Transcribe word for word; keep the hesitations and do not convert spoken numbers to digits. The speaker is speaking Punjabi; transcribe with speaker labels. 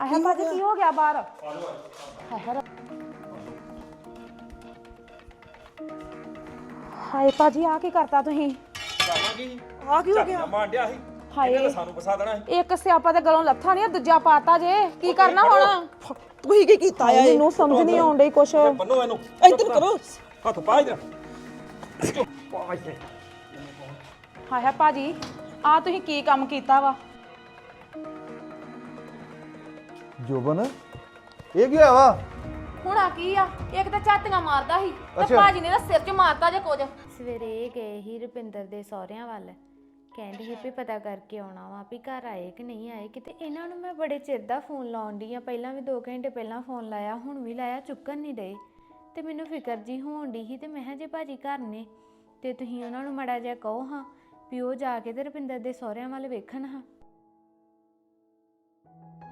Speaker 1: ਆਹ ਭਾਜੀ ਕੀ ਹੋ ਗਿਆ ਬਾਹਰ? ਹਾਏ ਭਾਜੀ ਆ ਕੀ ਕਰਤਾ ਤੁਸੀਂ?
Speaker 2: ਕਰਨਾ ਕੀ
Speaker 1: ਆ ਕੀ ਹੋ ਗਿਆ?
Speaker 2: ਮਾਂਡਿਆ ਸੀ
Speaker 1: ਹਾਏ
Speaker 2: ਇਹਨੇ ਤਾਂ ਸਾਨੂੰ ਫਸਾ ਦੇਣਾ ਸੀ।
Speaker 1: ਇੱਕ ਸਿਆਪਾ ਤੇ ਗਲੋਂ ਲੱਥਾ ਨਹੀਂ ਦੂਜਾ ਪਾਤਾ ਜੇ ਕੀ ਕਰਨਾ ਹੁਣ?
Speaker 3: ਤੁਸੀਂ ਕੀ ਕੀਤਾ ਆ?
Speaker 1: ਮੈਨੂੰ ਸਮਝ ਨਹੀਂ ਆਉਣ ਡਈ ਕੁਛ।
Speaker 2: ਬੰਨੋ ਇਹਨੂੰ
Speaker 3: ਇੱਧਰ ਕਰੋ।
Speaker 2: ਹੱਥ ਪਾ ਇਧਰ ਪਾ ਇੱਥੇ।
Speaker 1: ਹਾਏ ਹਾਏ ਭਾਜੀ ਆ ਤੁਸੀਂ ਕੀ ਕੰਮ ਕੀਤਾ ਵਾ?
Speaker 4: ਜੋਬਨ ਇਹ ਕੀ ਹੋਇਆ ਵਾ?
Speaker 5: ਹੁਣ ਆ ਕੀ ਆ? ਇੱਕ ਤਾਂ ਝਾਤੀਆਂ ਮਾਰਦਾ ਸੀ ਤੇ
Speaker 4: ਅੱਛਾ।
Speaker 5: ਭਾਜੀ ਨੇ ਤਾਂ ਸਿਰ 'ਚ ਮਾਰਤਾ ਜੇ ਕੁਝ।
Speaker 6: ਸਵੇਰੇ ਇਹ ਗਏ ਹੀ ਰੁਪਿੰਦਰ ਦੇ ਸਹੁਰਿਆਂ ਵੱਲ, ਕਹਿੰਦੇ ਸੀ ਵੀ ਪਤਾ ਕਰਕੇ ਆਉਣਾ ਵਾ ਵੀ ਘਰ ਆਏ ਕਿ ਨਹੀਂ ਆਏ ਕਿਤੇ। ਇਹਨਾਂ ਨੂੰ ਮੈਂ ਬੜੇ ਚਿਰ ਦਾ ਫੋਨ ਲਾਉਣ ਡਈ ਆ, ਪਹਿਲਾਂ ਵੀ ਦੋ ਘੰਟੇ ਪਹਿਲਾਂ ਫੋਨ ਲਾਇਆ, ਹੁਣ ਵੀ ਲਾਇਆ, ਚੁੱਕਣ ਨਹੀਂ ਡਏ। ਤੇ ਮੈਨੂੰ ਫਿਕਰ ਜੀ ਹੋਣ ਡਈ ਸੀ ਤੇ ਮੈਂ ਕਿਹਾ ਜੇ ਭਾਜੀ ਘਰ ਨੇ ਤੇ ਤੁਸੀਂ ਉਹਨਾਂ ਨੂੰ ਮਾੜਾ ਜਿਹਾ ਕਹੋ ਹਾਂ ਵੀ ਉਹ ਜਾ ਕੇ ਤੇ ਰੁਪਿੰਦਰ ਦੇ ਸਹੁਰਿਆਂ ਵੱਲ ਵੇਖਣ ਹਾਂ।